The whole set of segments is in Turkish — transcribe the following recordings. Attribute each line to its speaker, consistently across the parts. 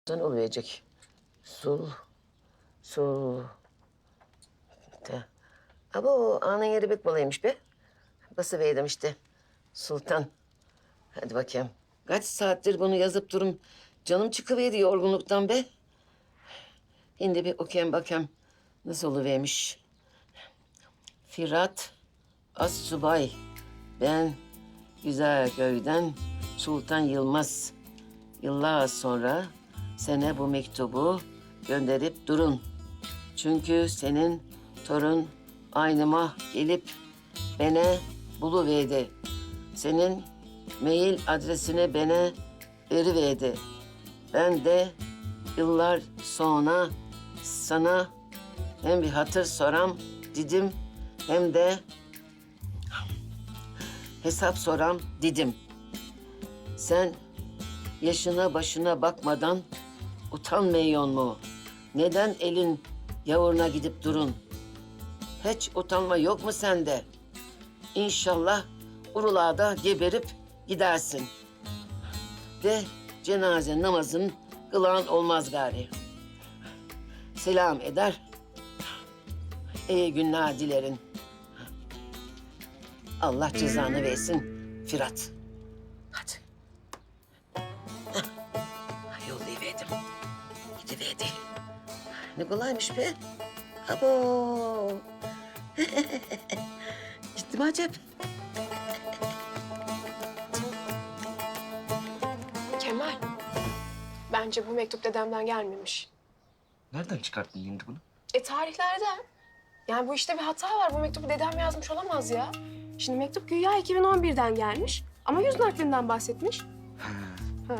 Speaker 1: olacak. Sul. Ta. Abo anın yeri pek balaymış be. Basıverdim işte. Sultan. Hadi bakayım. Kaç saattir bunu yazıp durum. Canım çıkıverdi yorgunluktan be. Şimdi bir okuyayım bakayım. Nasıl oluvermiş. Firat Assubay. Ben Güzelköy'den Sultan Yılmaz. Yıllar sonra sana bu mektubu gönderip durun. Çünkü senin torun aynıma gelip beni buluverdi. Senin mail adresini bana veriverdi. Ben de yıllar sonra sana hem bir hatır soram dedim hem de hesap soram dedim. Sen yaşına başına bakmadan utanmıyor mu? Neden elin yavuruna gidip durun? Hiç utanma yok mu sende? İnşallah urulada geberip gidersin. De cenaze namazın kılan olmaz gari. Selam eder. İyi günler dilerim. Allah cezanı versin Firat. Hadi. Yollayıverdim. Gidiverdi. Ne kolaymış be. Abo. Gitti mi acaba?
Speaker 2: Kemal, bence bu mektup dedemden gelmemiş.
Speaker 3: Nereden çıkarttın şimdi bunu?
Speaker 2: Tarihlerden. Yani bu işte bir hata var. Bu mektubu dedem yazmış olamaz ya. Şimdi mektup güya 2011'den gelmiş ama yüz naklinden bahsetmiş. Ha.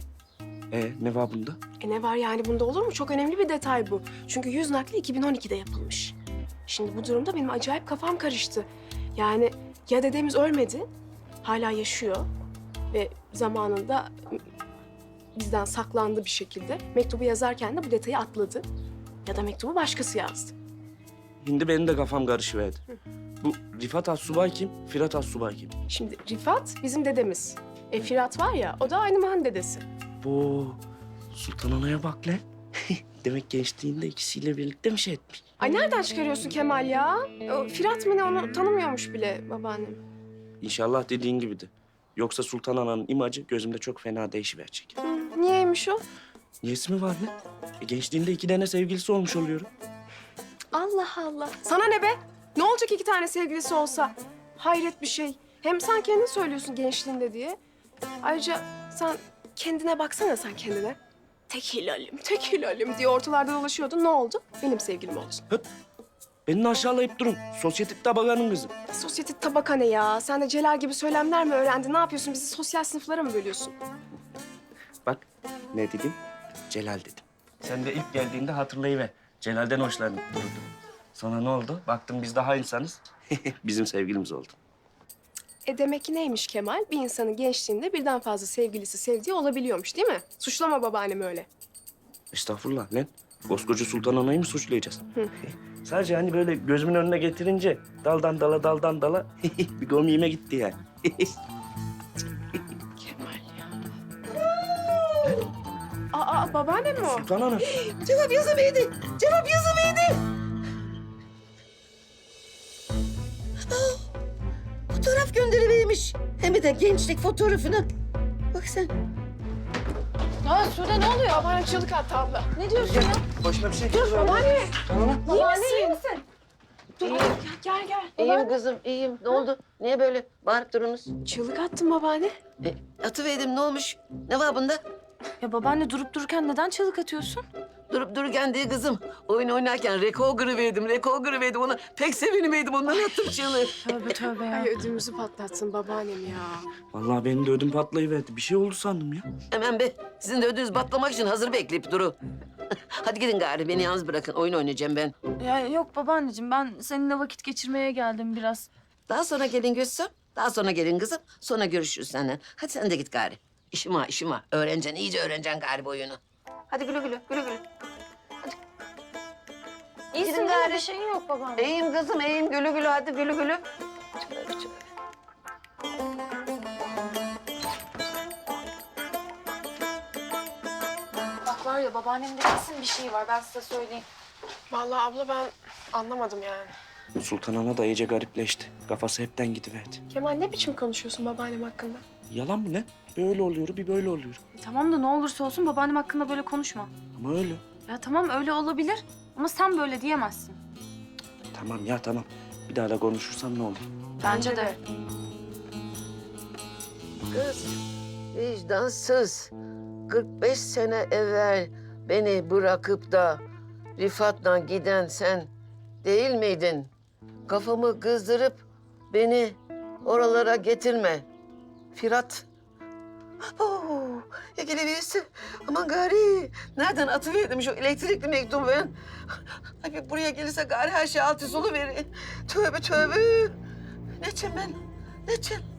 Speaker 3: Ne var bunda?
Speaker 2: Ne var yani bunda olur mu? Çok önemli bir detay bu. Çünkü yüz nakli 2012'de yapılmış. Şimdi bu durumda benim acayip kafam karıştı. Yani ya dedemiz ölmedi, hala yaşıyor ve zamanında bizden saklandı bir şekilde. Mektubu yazarken de bu detayı atladı. Ya da mektubu başkası yazdı.
Speaker 3: Şimdi benim de kafam karışıverdi. Bu Rifat Assubay kim? Firat Assubay kim?
Speaker 2: Şimdi Rifat bizim dedemiz. Firat var ya, o da aynı Mahan dedesi.
Speaker 3: Bu Sultan Ana'ya bak lan. Demek gençliğinde ikisiyle birlikte mi şey etmiş?
Speaker 2: Ay nereden çıkarıyorsun Kemal ya? O Firat mı ne, onu tanımıyormuş bile babaannem.
Speaker 3: İnşallah dediğin gibidir. Yoksa Sultan Ana'nın imajı gözümde çok fena değişiverecek.
Speaker 2: Niyeymiş o?
Speaker 3: Niyesi mi var lan? Gençliğinde 2 tane sevgilisi olmuş oluyorum.
Speaker 2: Allah Allah. Sana ne be? Ne olacak 2 tane sevgilisi olsa? Hayret bir şey. Hem sen kendin söylüyorsun gençliğinde diye. Ayrıca sen kendine baksana sen kendine. Tek hilalim diye ortalarda dolaşıyordun. Ne oldu? Benim sevgilim oldun.
Speaker 3: Beni aşağılayıp durun. Sosyetik tabakanın kızı.
Speaker 2: Sosyetik tabaka ne ya? Sen de Celal gibi söylemler mi öğrendin? Ne yapıyorsun? Bizi sosyal sınıflara mı bölüyorsun?
Speaker 3: Bak ne dedim? Celal dedim. Sen de ilk geldiğinde hatırlayıver. Celal'den hoşlanıp durdun. Sonra ne oldu? Baktım biz daha insanız. Bizim sevgilimiz oldu.
Speaker 2: Demek ki neymiş Kemal? Bir insanın gençliğinde birden fazla sevgilisi sevdiği olabiliyormuş değil mi? Suçlama babaannemi öyle.
Speaker 3: Estağfurullah lan. Koskoca Sultan Ana'yı mı suçlayacağız? Sadece hani böyle gözümün önüne getirince daldan dala bir gomiğime gitti yani.
Speaker 2: Kemal ya. Aa babaannem mi o?
Speaker 3: Sultan Ana.
Speaker 1: Cevap yazıverdi. Cevap yazıverdi. Fotoğraf gönderivermiş. Hem de gençlik fotoğrafını. Bak sen.
Speaker 4: Ya Sude ne oluyor?
Speaker 2: Babaannem çığlık attı abla.
Speaker 4: Ne diyorsun ya?
Speaker 3: Başına bir şey
Speaker 2: Dur babaanne.
Speaker 4: Babaanne iyi misin?
Speaker 2: Dur gel.
Speaker 1: İyiyim kızım, iyiyim. Ne oldu? Niye böyle bağırıp durunuz?
Speaker 2: Çığlık attım babaanne.
Speaker 1: Atıverdim, ne olmuş? Ne var bunda?
Speaker 4: Ya babaanne durup dururken neden çığlık atıyorsun?
Speaker 1: Durup dururken değil kızım. Oyun oynarken rekor kırıverdim. Ona pek seviniveydim. Ondan attım çığlığı.
Speaker 4: Tövbe ya.
Speaker 2: Ay ödümüzü patlatsın babaannem ya.
Speaker 3: Vallahi benim de ödüm patlayıverdi. Bir şey oldu sandım ya.
Speaker 1: Hemen be. Sizin de ödünüz batlamak için hazır bekleyip duru. Hadi gidin gari. Beni yalnız bırakın. Oyun oynayacağım ben.
Speaker 4: Ya yok babaanneciğim ben seninle vakit geçirmeye geldim biraz.
Speaker 1: Daha sonra gelin Gülsüm. Daha sonra gelin kızım. Sonra görüşürüz seninle. Hadi sen de git gari. İşim var. Öğreneceksin, iyice öğreneceksin gari bu oyunu. Hadi güle.
Speaker 4: İyisin
Speaker 1: Gidin
Speaker 4: değil mi?
Speaker 1: gari.
Speaker 4: Bir şeyin yok babaanne.
Speaker 1: İyiyim kızım, iyiyim. Güle. Hadi güle.
Speaker 2: Bak var
Speaker 4: ya babaannemde kesin bir şey var ben size söyleyeyim.
Speaker 2: Vallahi abla ben anlamadım yani.
Speaker 3: Sultan Ana da iyice garipleşti. Kafası hepten gidiverdi.
Speaker 2: Kemal ne biçim konuşuyorsun babaannem hakkında?
Speaker 3: Yalan mı ne? Böyle oluyor, bir böyle oluyor.
Speaker 4: Tamam da ne olursa olsun babaannem hakkında böyle konuşma.
Speaker 3: Ama öyle.
Speaker 4: Ya tamam öyle olabilir ama sen böyle diyemezsin.
Speaker 3: Tamam ya tamam. Bir daha da konuşursam ne olur?
Speaker 4: Bence de.
Speaker 1: Kız, vicdansız. 45 sene evvel beni bırakıp da Rifat'la giden sen değil miydin? Kafamı kızdırıp beni oralara getirme. Firat. Oo, ya gelebilirsin. Aman gari. Nereden atıverdim şu elektrikli mektubu ben? Ay buraya gelirse gari her şey alt üst oluverir. Tövbe tövbe. Ne edeceğim ben? Ne edeceğim?